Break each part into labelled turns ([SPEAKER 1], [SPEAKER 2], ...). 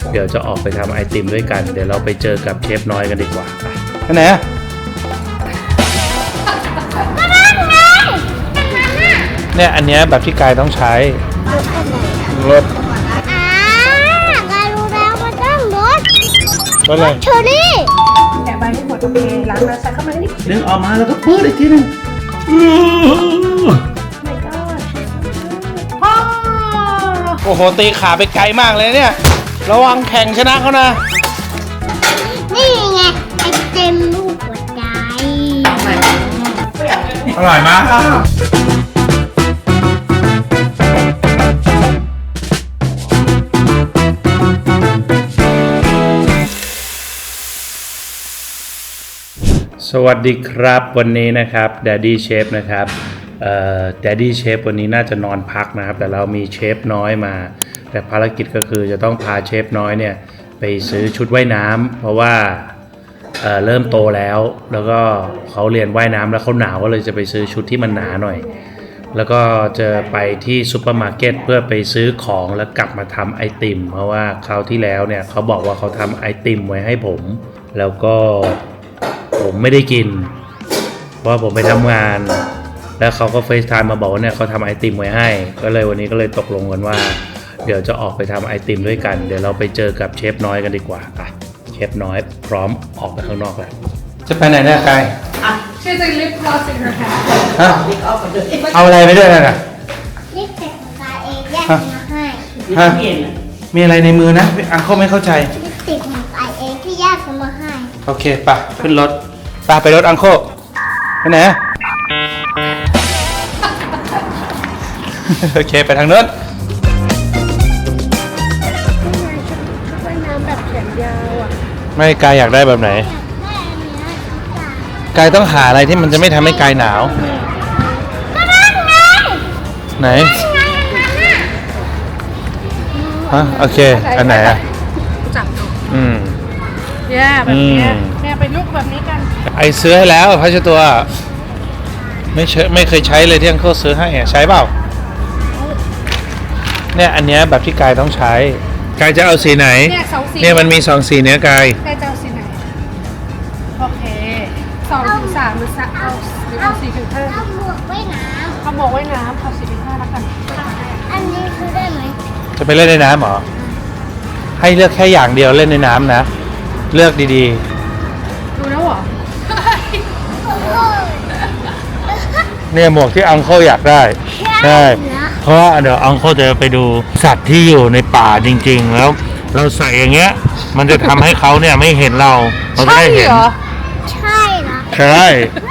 [SPEAKER 1] เดี๋ยวจะออกไปทำไอติมด้วยกันเดี๋ยวเราไปเจอกับเชฟน้อยกันดีกว่าไปไหนอะเนี่ยอันเนี้ยแบบที่กายต้องใช้รถ
[SPEAKER 2] กายรู้แล้วมันต้องรถ
[SPEAKER 1] อะไร
[SPEAKER 2] เชอรี่
[SPEAKER 3] แกะใบให้หมดโอเคล้างแล้วใส่เข้ามานิด
[SPEAKER 1] ดึงออกมาแล้วก็เปิดอีกทีนึงโอ้โหตีขาไปไกลมากเลยเนี่ยระวังแข่งชนะเขานะ
[SPEAKER 2] นี่ไงไอเต็มลูกหัวใจ
[SPEAKER 1] อร่อยมากสวัสดีครับวันนี้นะครับ Daddy Chef นะครับDaddy Chef วันนี้น่าจะนอนพักนะครับแต่เรามีเชฟน้อยมาแต่ภารกิจก็คือจะต้องพาเชฟน้อยเนี่ยไปซื้อชุดว่ายน้ำเพราะว่าเริ่มโตแล้วก็เขาเรียนว่ายน้ำแล้วเขาหนาวก็เลยจะไปซื้อชุดที่มันหนาหน่อยแล้วก็จะไปที่ซุปเปอร์มาร์เก็ตเพื่อไปซื้อของแล้วกลับมาทำไอติมเพราะว่าคราวที่แล้วเนี่ยเขาบอกว่าเขาทำไอติมไว้ให้ผมแล้วก็ผมไม่ได้กินเพราะผมไปทำงานแล้วเขาก็เฟซไทม์มาบอกว่าเนี่ยเขาทำไอติมไว้ให้ก็เลยวันนี้ก็เลยตกลงกันว่าเดี๋ยวจะออกไปทำไอติมด้วยกันเดี๋ยวเราไปเจอกับเชฟน้อยกันดีกว่าอ่ะเชฟน้อยพร้อมออกไปข้างนอกแล้วจะไปไหนเนี่ยกาย
[SPEAKER 3] She has a lip gloss in her hand
[SPEAKER 1] ฮะเอาอะไรไปด้วยน่ะ
[SPEAKER 2] ลิปสติกของกายเองแยกมาให้
[SPEAKER 1] ฮะมีอะไรในมือนะอังเขาไม่เข้าใจ
[SPEAKER 2] ลิปสติกของกายเองที่แยกมาให้
[SPEAKER 1] โอเคไปขึ้นรถไปรถอังโคไปไหนโอเคไปทางโน้น
[SPEAKER 3] ว่ายน้ำแบบแขนยาวอ่ะ
[SPEAKER 1] ไม่กายอยากได้แบบไหนกายต้องหาอะไรที่มันจะไม่ทำให้กายหนาวไหนฮะโอเคอันไหนอ่ะ
[SPEAKER 3] จับดู
[SPEAKER 1] เนี่ย
[SPEAKER 3] แบบนี้เนี่ยไปลุกแบบนี้กัน
[SPEAKER 1] ไอซื้อให้แล้วพัชตัวไม่เคยใช้เลยที่อังเขาซื้อให้ใช้เปล่าเนี่ยอันเนี้ยแบบที่กายต้องใช้กายจะเอาสีไหนเนี่ยมันมี2สีเนี้ยกาย
[SPEAKER 3] จะเอาสีไหนโอเค2 ถึง 3หรือเอา4 ถึง 5
[SPEAKER 2] เอาหมวกว่ายน้ำ
[SPEAKER 3] เอาหมวกว่ายน้ำเอา4 ถึง 5แล้วกัน
[SPEAKER 2] อันนี้คือได้ไหม
[SPEAKER 1] จะไปเล่นในน้ำเหรอให้เลือกแค่อย่างเดียวเล่นในน้ำนะเลือกดี
[SPEAKER 3] ๆดูแล้วเหรอ
[SPEAKER 1] เนี่ยหมวกที่อังเคิลอยากได้ใช่เพราะว่าเดี๋ยวอังเคิลจะไปดูสัตว์ที่อยู่ในป่าจริงๆแล้วเราใส่อย่างเงี้ยมันจะทำให้เขาเนี่ยไม่เห็นเราจะได้เห็น
[SPEAKER 2] ใช่เหรอ
[SPEAKER 1] ใช่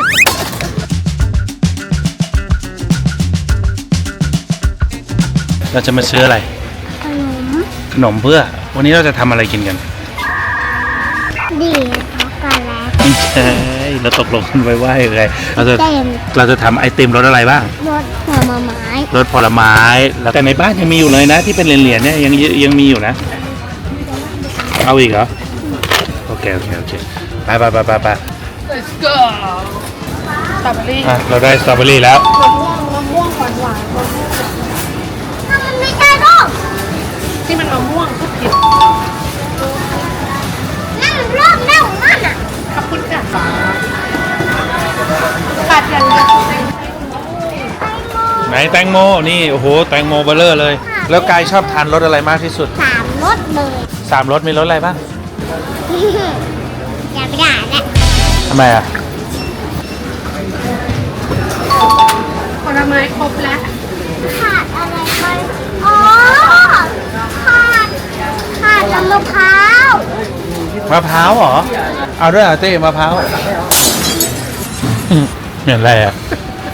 [SPEAKER 1] เราจะมาซื้ออะไรขนมเพื่อวันนี้เราจะทำอะไรกินกัน
[SPEAKER 2] ดีช็อกโกแลต
[SPEAKER 1] ไม่ใช่เราตกลงกันไว้ว่ายังไงเราจะทำไอติมรสอะไรบ้าง
[SPEAKER 2] รสผลไม้
[SPEAKER 1] แล้วแต่ในบ้านยังมีอยู่เลยนะที่เป็นเหรียญๆเนี่ยยังมีอยู่นะเอาอีกเหรอโอเคไป
[SPEAKER 3] Let's go สตรอเบอรี่
[SPEAKER 1] เราได้สตรอเบอรี่แล้ว
[SPEAKER 3] มะม่วงหวาน
[SPEAKER 2] มันไม่ได้หรอก
[SPEAKER 3] ที่มันมะม่วงทุกผิด
[SPEAKER 2] นั่นรอบแม่ของมันอ่ะ
[SPEAKER 3] ขอบคุณค่ะขาดอย่างเดียว
[SPEAKER 1] ไหนแตงโมนี่โอ้โหแตงโมเบลเลอร์เลยแล้วกายชอบทานรสอะไรมากที่สุด
[SPEAKER 2] 3 รสเลย
[SPEAKER 1] 3 รสมีรสอะไรบ้าง
[SPEAKER 2] อย่าไปด่าแหละ
[SPEAKER 1] ทำไมอ่ะ
[SPEAKER 3] ผลไม้ครบแล้ว
[SPEAKER 2] ขาดอะไรไปอ๋อขาดน้ำมะพร้าว
[SPEAKER 1] เหรอเอาด้วยเต้มะพร้าวเห็นอะไรอ่ะ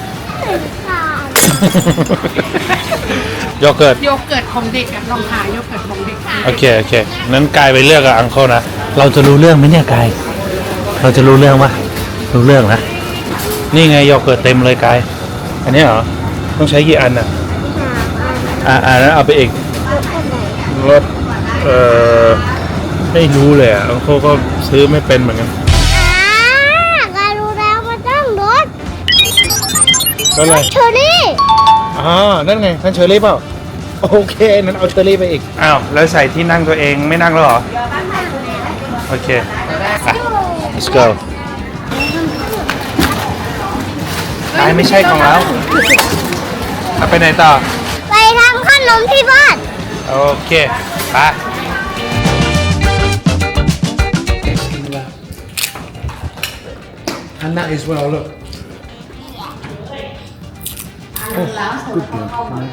[SPEAKER 1] โยเกิร์ต
[SPEAKER 3] ของเด็กอะลองหาโยเกิร์ตของเด็ก
[SPEAKER 1] โอเคนั้นกายไปเลือกกับอังเคิลนะเราจะรู้เรื่องไหมเนี่ยกายเราจะรู้เรื่องปะรู้เรื่องนะนี่ไงโยเกิร์ตเต็มเลยกายอันนี้เหรอต้องใช้กี่อันอ่ะนั้นเอาไปอีกรถไม่รู้เลยอ่ะอังเคิลก็ซื้อไม่เป็นเหมือนกัน
[SPEAKER 2] กายรู้แล้วมันต้องรถ
[SPEAKER 1] อะไร
[SPEAKER 2] เชอรี่
[SPEAKER 1] นั่นไงท่านเชอรี่เปล่าโอเคนั้นเอาเชอรี่ไปอีกอ้าวแล้วใส่ที่นั่งตัวเองไม่นั่งแล้วเหรอโอเคอ่ะ let's go ไม่ใช่ของเราเอาไปไหนต่อ
[SPEAKER 2] ไปทำขนมที่บ้าน
[SPEAKER 1] โอเคไป
[SPEAKER 4] And that as well, look. Oh, good girl.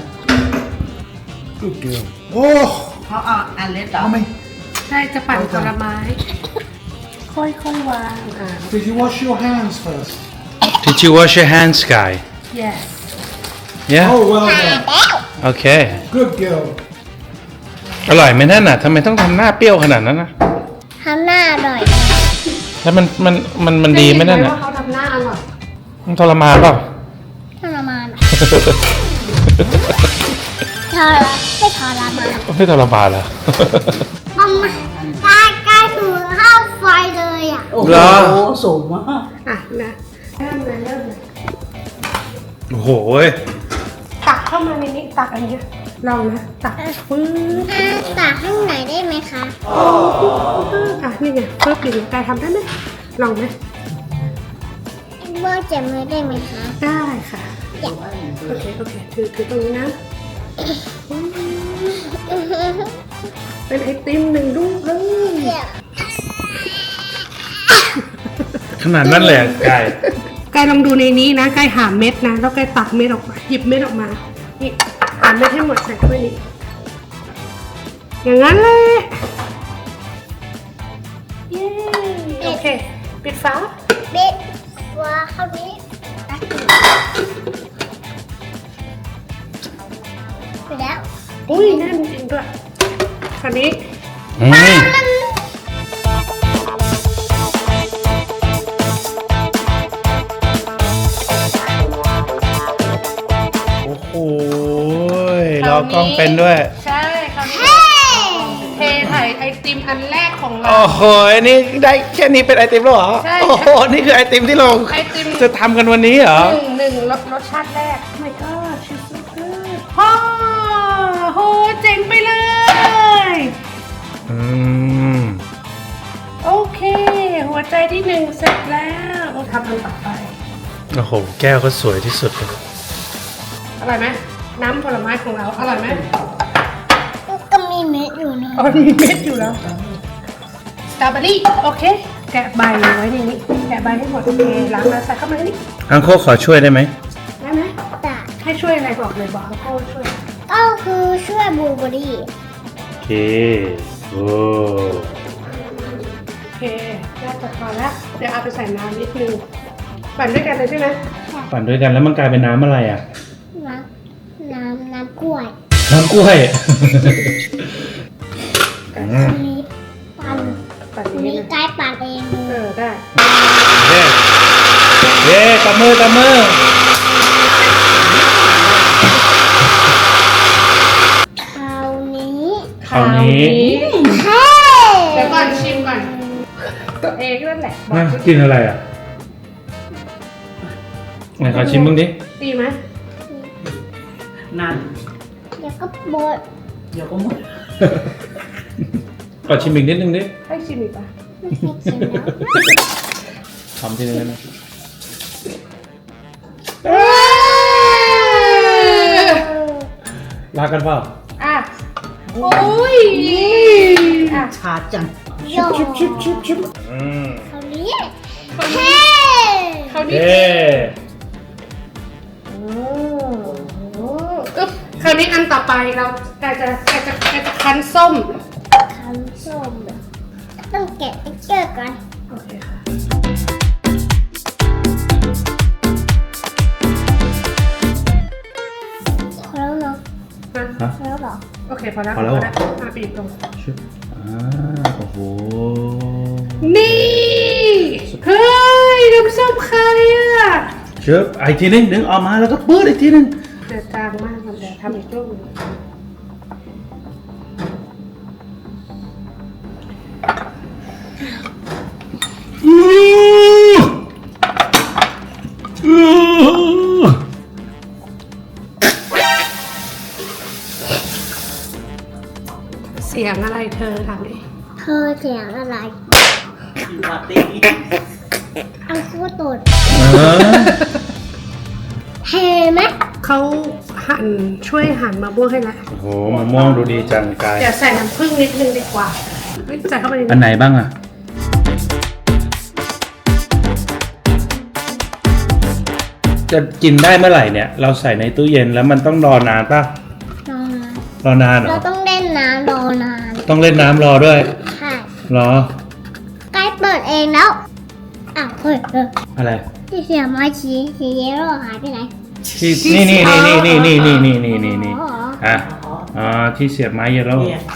[SPEAKER 4] Good girl. Oh,
[SPEAKER 5] เขาเอาอันเล็กต่อ
[SPEAKER 4] mommy,
[SPEAKER 3] ใช่จะปั่นผลไม้ ค่อยๆวาง
[SPEAKER 4] did you wash your hands first?
[SPEAKER 1] Did you wash your hands Sky
[SPEAKER 3] yes
[SPEAKER 1] Yeah
[SPEAKER 4] Oh, well
[SPEAKER 2] หา
[SPEAKER 4] done.
[SPEAKER 2] แล้ว
[SPEAKER 1] โอเค
[SPEAKER 4] Good girl.
[SPEAKER 1] อร่อยไหมนั่นน่ะทำไมต้องทำหน้าเปรี้ยวขนาดนั้นนะ
[SPEAKER 2] ทำหน้าอร่อย
[SPEAKER 1] แล้วมันดีไหมนั่นน่ะ
[SPEAKER 3] ว่าเขาทำหน้าอร่อย
[SPEAKER 1] มันทรมานเปล่า
[SPEAKER 2] ทรมานอะไม่ทรมาน
[SPEAKER 1] ไม่ทรมานเหรอ
[SPEAKER 2] มัมกายถูเข้าไฟเลยอ่ะ
[SPEAKER 5] โอ้
[SPEAKER 1] เหรอ
[SPEAKER 5] โหสูงมาก
[SPEAKER 3] อ่ะนะเริ่มเลย
[SPEAKER 1] โอ้โห
[SPEAKER 3] ตักเข้ามาในนี้ตักอันนี้ลองนะตักปึ๊บ
[SPEAKER 2] ตักข้างไหนได้ไหมคะ
[SPEAKER 3] อ่ะนี่ไงปึ๊บอย่างนี้กายทำได้ไหมลองไหม
[SPEAKER 2] เบอร์เจ็บมือได้ไหมคะ
[SPEAKER 3] ได้ค่ะโอเคถือตรงนี้นะเป็นไอติมหนึ่งลูกเลย
[SPEAKER 1] ขนาดนั้นเลยอะกาย
[SPEAKER 3] กายลองดูในนี้นะกายหาเม็ดนะแล้วกายตักเม็ดออกมาหยิบเม็ดออกมานี่หาเม็ดให้หมดใส่ถ้วยนี้อย่างนั้นเลยเย้โอเคปิดฝา
[SPEAKER 2] เบ็ดว่าเข้านี้ไปแล้ว
[SPEAKER 3] อุ้ยแน่นจริงด้วยคราวนี้
[SPEAKER 1] อืมโอ้โหรอกล้องเป็นด้วย
[SPEAKER 3] ใช่คราวนี้
[SPEAKER 2] เฮ้
[SPEAKER 3] เทไถ่ไอติมอันแรกของเรา
[SPEAKER 1] โอ้โหอันนี้ได้แค่นี้เป็นไอติมแล้วเหรอ
[SPEAKER 3] ใช่
[SPEAKER 1] โอ้โห นี่คือไอติมที่เรา
[SPEAKER 3] ไอติม
[SPEAKER 1] จะทำกันวันนี้เหรอ
[SPEAKER 3] หนึ่งรสชาติแรกไม่ก็ชิสเกอร์พ่อโหเจ๋งไปเลย
[SPEAKER 1] อืม
[SPEAKER 3] โอเค หัวใจที่หนึ่งเสร็จแล้วเราทำอันต่อไป
[SPEAKER 1] โอ้โห แก้วก็สวยที่สุดเลย
[SPEAKER 3] อร่อยไหมน้ำผลไม้ของเราอร่อยไหม
[SPEAKER 2] ก็มีเม็ดอยู่นะ
[SPEAKER 3] อ๋อมีเม็ดอยู่แล้วสตรอเบอรี่โอเค แกะใบไว้ในนี้แกะใบให้หมดโอเคล้างแล้วใส่เข้ามาในนี้
[SPEAKER 1] อังโคขอช่วยได้ไหม
[SPEAKER 3] ได้ไหม
[SPEAKER 2] แต่
[SPEAKER 3] ให้ช่วยอะไรบอกเลยบอกเขาช่วย
[SPEAKER 2] ก็คือช่วยบลูเบอร์รี่
[SPEAKER 1] โอเค โอ้
[SPEAKER 3] โอเคน่าจะพอแล้วเดี๋ยวเอาไปใส่น้ำนิดนึงปั่นด้วยกันเลยใช่ไหม
[SPEAKER 1] ปั่นด้วยกันแล้วมันกลายเป็นน้ำอะไรอ่ะ
[SPEAKER 2] น้ำกล้วย
[SPEAKER 1] น้ำกล้วย
[SPEAKER 2] อันนี้ปั่น
[SPEAKER 3] ปั่น
[SPEAKER 2] อัน
[SPEAKER 3] นี้
[SPEAKER 2] นี้
[SPEAKER 3] นะ
[SPEAKER 2] กายปั่นเอง
[SPEAKER 3] ได้
[SPEAKER 1] เย้เย้ตบมือตบมือ
[SPEAKER 2] คราวนี้
[SPEAKER 1] คราวนี้
[SPEAKER 2] เฮ้
[SPEAKER 3] เดี๋ยวก่อนชิมก่อนตัวเองนั่นแหละบอก
[SPEAKER 1] น่ากินอะไรอ่ะไหนขอชิมบ้างดิ
[SPEAKER 3] ดีไหม
[SPEAKER 5] นาน
[SPEAKER 2] เดี๋ยวก็บด
[SPEAKER 5] เดี๋ยวก็หมด
[SPEAKER 1] ขอชิมอีกนิดนึงดิ
[SPEAKER 3] ให้ชิมอีกปะ
[SPEAKER 2] ไม่ใช่กินแล้ว
[SPEAKER 1] ทำทีนึงนะลากันเปล่า
[SPEAKER 3] อ่ะโอ้ยอ่ะ
[SPEAKER 5] ชาจัง
[SPEAKER 2] โย
[SPEAKER 3] ชิบ
[SPEAKER 1] อืม
[SPEAKER 2] คราวนี้เฮ้
[SPEAKER 3] เขาวนี้
[SPEAKER 1] เย้
[SPEAKER 3] โอ้โหอึ๊บคราวนี้อันต่อไปเราจะคั้นส้ม
[SPEAKER 2] คันส้มต้องแกะติ๊กเกอร์ก่อน
[SPEAKER 3] โอเคค่ะ
[SPEAKER 2] พอแล้วเนาะ
[SPEAKER 1] ฮะ
[SPEAKER 2] พอแล้วเหรอ
[SPEAKER 3] โอเคพอแล้ว
[SPEAKER 1] พอแล้วเหรอ
[SPEAKER 3] ปีบลง
[SPEAKER 1] ชุบโอ้โห
[SPEAKER 3] นี่เฮ้ยน้ำส้มใครอ่ะ
[SPEAKER 1] ชุบอีกทีนึงดึงออกมาแล้วก็ปื้ดอีกทีนึง
[SPEAKER 3] เดือดจางมากมันเดี๋ยวทำอีกรูปหนึ่ง
[SPEAKER 1] อ
[SPEAKER 3] ยงอะไรเธอทำดิ
[SPEAKER 2] เธอเสียงอะไร
[SPEAKER 5] อยู่ปาร์ตี้
[SPEAKER 2] อังคูตด
[SPEAKER 1] เออ
[SPEAKER 2] เห็นไหม
[SPEAKER 3] เขาช่วยหั่นมะม่วงให้แล้ว
[SPEAKER 1] โอ้โหมะม่วงดูดีจังกาย
[SPEAKER 3] เดี๋ยวใส่น้ำผึ้งนิดนึงดีกว่าเฮ้ยใส่เข้าไปใน
[SPEAKER 1] อันไหนบ้างอ่ะ จะกินได้เมื่อไหร่เนี่ย เราใส่ในตู้เย็นแล้วมันต้องรอนานป่ะ
[SPEAKER 2] รอนาน
[SPEAKER 1] รอนานเหร
[SPEAKER 2] เรา
[SPEAKER 1] อ
[SPEAKER 2] ต้องเล่นน้ำรอนาน
[SPEAKER 1] ต้องเล่นน้ำรอด้วย
[SPEAKER 2] ใช่
[SPEAKER 1] เหรอ
[SPEAKER 2] ใกล้เปิดเองแล้วอ้าวเฮ้ย
[SPEAKER 1] อะไร
[SPEAKER 2] ที่เสียไม้สีเยลโล่หายไปไหน
[SPEAKER 1] ที่นี่อ่ะอ๋อที่เสียบไม้เยลโล่
[SPEAKER 5] เนี่ย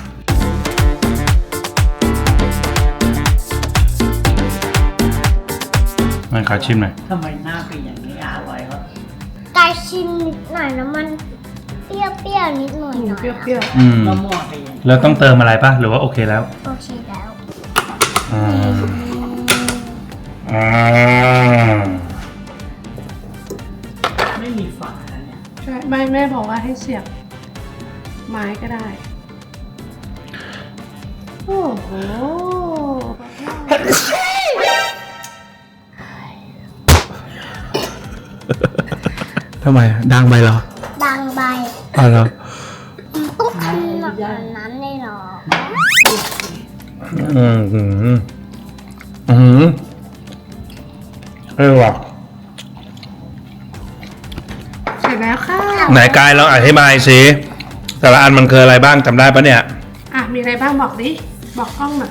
[SPEAKER 1] มันขอชิมหน่อย
[SPEAKER 5] ทำไมหน้าเป็นอย่างนี้อร่อยเหรอ
[SPEAKER 2] ไก่ชิมนิดหน่อยแล้วมันเปรี้ยวๆนิดหน่อยหน่อย
[SPEAKER 3] เปรี้ยว
[SPEAKER 1] อืม
[SPEAKER 5] มะม่วงเป็นอย่างนี้
[SPEAKER 1] แล้วต้องเติมอะไรป่ะ หรือว่าโอเคแล้ว
[SPEAKER 2] โอเคแล้ว
[SPEAKER 1] อ่าอ่า
[SPEAKER 5] ไม่มีฝาเนี่ย
[SPEAKER 3] ๆใช่ไม่แม่บอกว่าให้เสียบไม้ก็ได้ โอ้โห
[SPEAKER 1] ทำไมดังไปเหรอ
[SPEAKER 2] ดังใบ
[SPEAKER 1] อ๋อเหรอ
[SPEAKER 2] ต้องทำหนักกว่านั้นเลยเหรอ
[SPEAKER 1] เออว่ะ
[SPEAKER 3] เสร็จแล้วค่ะ
[SPEAKER 1] ไหนกายลองอธิบายสิแต่ละอันมันคืออะไรบ้างจำได้ปะเนี่ย
[SPEAKER 3] อ่ะมีอะไรบ้างบอกดิ บอกกล้องหน่อย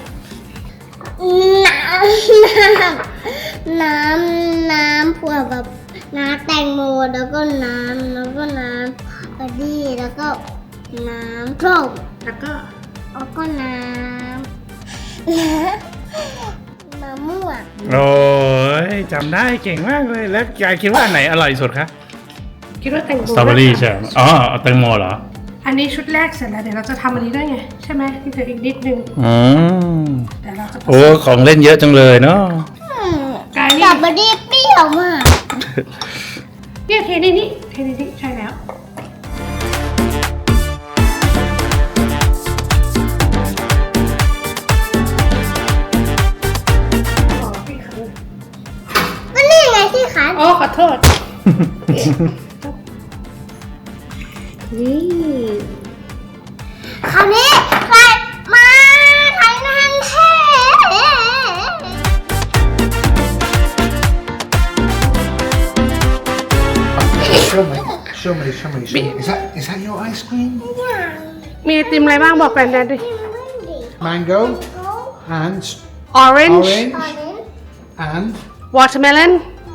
[SPEAKER 2] น้ำพวกแบบน้ำแตงโมแล้วก็น้ำกะดีแล้วก็น้ำส้ม
[SPEAKER 3] แล้วก็
[SPEAKER 2] แล้วก็น้ำมะม่วง
[SPEAKER 1] โอ้ยจำได้เก่งมากเลย แล้วกายคิดว่าอันไหนอร่อยสุดคะ
[SPEAKER 3] คิดว่าแตงโม
[SPEAKER 1] สตรอเบอรี่ใช่ไหมอ๋อแตงโมเหรอ
[SPEAKER 3] อันนี้ชุดแรกเสร็จแล้วเดี๋ยวเราจะทำอันนี้ด้วยไงใช่ไหมที่เธออีกนิดนึง
[SPEAKER 1] อืม
[SPEAKER 3] เดี๋ยวเราจะ
[SPEAKER 1] โอ้ของเล่นเยอะจังเลยเนาะ
[SPEAKER 3] กาย
[SPEAKER 2] ส
[SPEAKER 3] นี่
[SPEAKER 2] ตรอเบอรี่เปรี้ยวมาก
[SPEAKER 3] เนี่ยเทในนี้ใช่แล้วอ๋อพี่ขัน
[SPEAKER 2] ก็นี่ไงที่ขัน
[SPEAKER 3] อ๋อขอโทษ นี่
[SPEAKER 2] คราวนี้ใครมาไทยนันเท
[SPEAKER 4] Show me. Show me. Is that your ice cream?
[SPEAKER 3] มีไอติมอะไรบ้างบอกแฟนแดนดิ
[SPEAKER 4] Mango and
[SPEAKER 3] orange
[SPEAKER 4] orange and
[SPEAKER 3] watermelon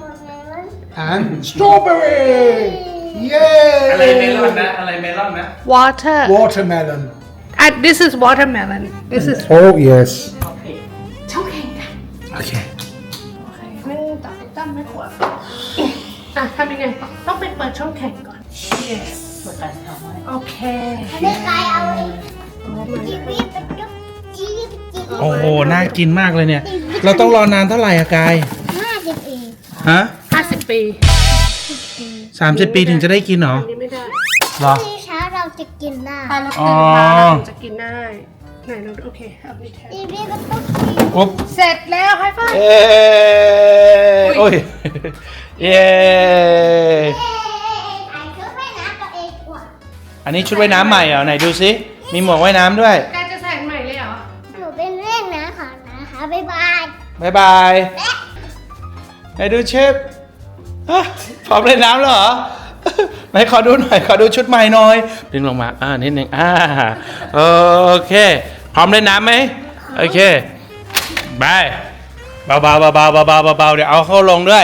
[SPEAKER 4] strawberry. Yay!
[SPEAKER 1] อะไรเมลอนนะ อะไรเมลอนนะ
[SPEAKER 3] water
[SPEAKER 4] Watermelon.
[SPEAKER 3] this is watermelon this is
[SPEAKER 4] Oh yes.
[SPEAKER 3] ช่องแข่งกัน
[SPEAKER 1] โอเค
[SPEAKER 3] โอเคไม่ตัดตั้มไม่ขวดอ่ะทำยังไงต้องไปเปิดช่องแข่งก่อน yes
[SPEAKER 5] ช่วยกันทำไว้
[SPEAKER 3] โอเค
[SPEAKER 2] อันนี้กายเอาไอ้จี๊บไปจุ๊บจี๊บ
[SPEAKER 1] โอ้โห น่ากินมากเลยเนี่ย เราต้องรอนานเท่าไหร่อะกาย
[SPEAKER 2] 50 เอง
[SPEAKER 1] ฮะ
[SPEAKER 3] 50 ปี
[SPEAKER 1] 30 ปีถึงจะได้กินเหรอ
[SPEAKER 3] อันนี้ไม่ได้
[SPEAKER 1] เหรอ
[SPEAKER 2] พรุ่งนี้เช้าเราจะกินได้
[SPEAKER 3] ถ้าเราตื่นมาเราถึงจะกินได้ไหนเราโอเคเอาไปแทน
[SPEAKER 2] จี๊บก็ต้องกิน
[SPEAKER 1] ปุ๊บ
[SPEAKER 3] เสร็จแล้วไฮไฟว์
[SPEAKER 1] เอ้ยโอ้ย เย้
[SPEAKER 2] ไอ้ชุดว่ายน้ำตัวเองกว่า
[SPEAKER 1] อันนี้ชุดว่ายน้ำใหม่เหรอ ไหนดูซิ มีหมวกว่ายน้ำด้วย
[SPEAKER 3] กายจะใส่ใหม่เลยเหรอ
[SPEAKER 2] หนูเป็นเล่นนะขอนะคะบ๊ายบาย
[SPEAKER 1] บ๊ายบาย ไหนดูเชฟฮะพร้อมเล่นน้ำแล้วเหรอ ไหนขอดูหน่อย ขอดูชุดใหม่หน่อย ดึงลงมา นิดนึง โอเค พร้อมเล่นน้ำไหม โอเค บาย เบาๆเบาๆเบาๆเบาๆเดี๋ยวเอาเข้าลงด้วย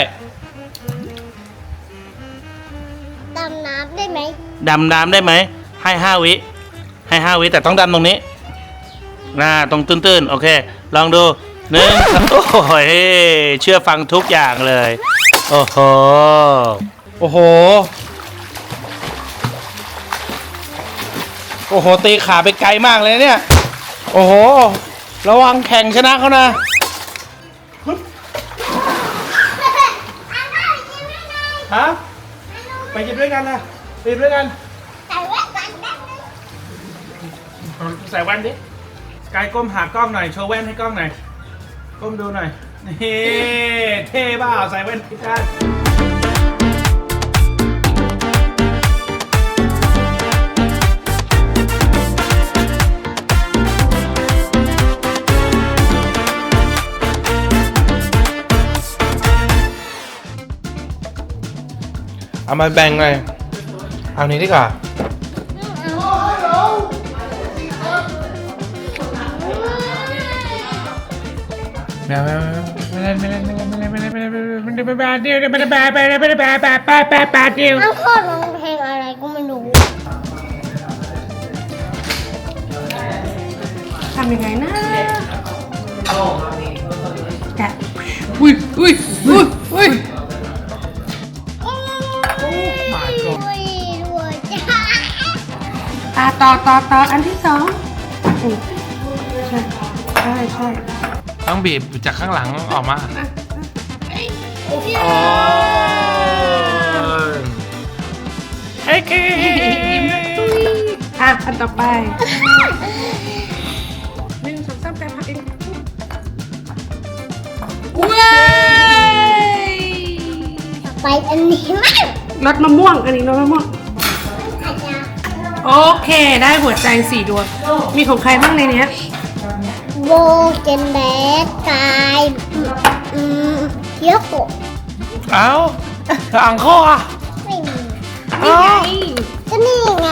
[SPEAKER 2] ดำน้ำได้ไหม
[SPEAKER 1] ดำน้ำได้ไหม ให้5 วิ ให้5 วิแต่ต้องดำตรงนี้ตรงตื้นๆ โอเค ลองดู1 โอ้โหเชื่อฟังทุกอย่างเลย โอ้โห โอ้โห โอ้โห ตีขาไปไกลมากเลยเนี่ย โอ้โห ระวังแข่งชนะเขานะ ฮะ ไปกินด้วยกันนะไปกินด้วยกัน
[SPEAKER 2] ใส่แว่นกันได้ไหม
[SPEAKER 1] ใส่แว่นดิกายก้มหากล้องหน่อยโชว์แว่นให้กล้องหน่อยก้มดูหน่อยนี่เท่เปล่าใส่แว่นพิการ
[SPEAKER 6] เอามาแบ่งเลยเอานี้ดีกว่าไม่เล่นเดี๋ยวไม่ได้แบะเดียว
[SPEAKER 2] ทั้งโคตรร้องเพลงอะไรก็ไม่รู้
[SPEAKER 3] ทำยังไงนะแกะอุ้ยอุ้ยอุ้ยอุ้ย
[SPEAKER 2] ด้วยจ้า
[SPEAKER 3] ต่ออันที่สองใช่
[SPEAKER 6] ต้องบีบจากข้างหลังออกมาโอเค
[SPEAKER 3] อันต่อไป1 2 3แกะผักเองว้าย
[SPEAKER 2] ไปอันนี้มั้ง
[SPEAKER 3] รสมะม่วง อันนี้รสมะม่วง โอเค ได้หัวใจ4 ดวง มีของใครบ้างในเนี้ย
[SPEAKER 2] โบเจนแบกกายเยอะโกะ
[SPEAKER 6] เอาอังโคอ่ะ
[SPEAKER 2] ไม่มี
[SPEAKER 3] นี่ไง
[SPEAKER 2] ก็นี่ไง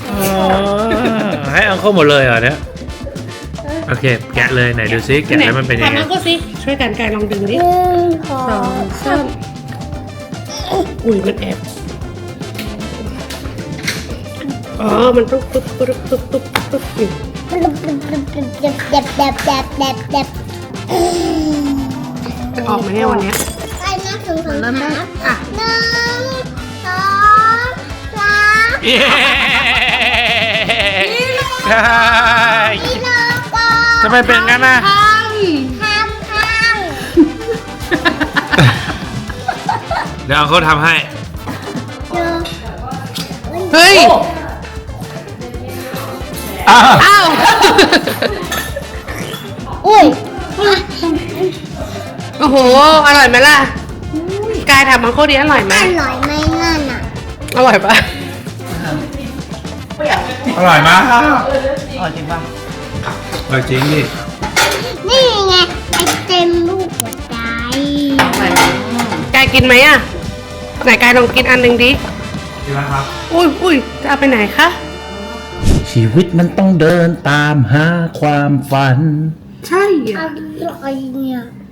[SPEAKER 1] ให้อังเข้าหมดเลยเหรอเนี่ยโอเคแกะเลยไหนดูซิแกะแล้วมันเป็นยังไง
[SPEAKER 3] ทำก็สิช่วยกันกายลองดึงดิ
[SPEAKER 2] 1 2
[SPEAKER 3] 2 3อุ้ยมันแอบอ๋อ มันต้องตุ๊บอยู่
[SPEAKER 2] มันเด็บ
[SPEAKER 3] จะออกมาเนี่ยวันเนี้ย
[SPEAKER 2] ไปนะถึง3
[SPEAKER 3] อ่ะ
[SPEAKER 2] 1 2 3
[SPEAKER 6] เย้
[SPEAKER 2] กิโลก่อน
[SPEAKER 6] ทำไมเป็นงั้นนะ
[SPEAKER 2] ทำ
[SPEAKER 1] เดี๋ยวอังเข้าทำให้
[SPEAKER 3] เฮ้ย อ้าว
[SPEAKER 2] อุ้ย
[SPEAKER 3] โอ้โห อร่อยไหมล่ะ กายทำมังโคดีอร่อยไหม
[SPEAKER 2] อร่อยไหมนั่นอ่ะ
[SPEAKER 3] อร่อยปะ
[SPEAKER 6] อร่อยมาก
[SPEAKER 5] อ๋อจริงป่ะ
[SPEAKER 1] จริงดิ
[SPEAKER 2] นี่ไงไอเต็มลูกหัวใจ
[SPEAKER 3] กายกินไหมอ่ะ ไหนกายลองกินอันหนึ่งดิ
[SPEAKER 1] กินแล้วครับ
[SPEAKER 3] อุ้ยจะเอาไปไหนคะ
[SPEAKER 1] ชีวิตมันต้องเดินตามหาความฝัน
[SPEAKER 3] ใช่
[SPEAKER 2] อร่อยเนี่ย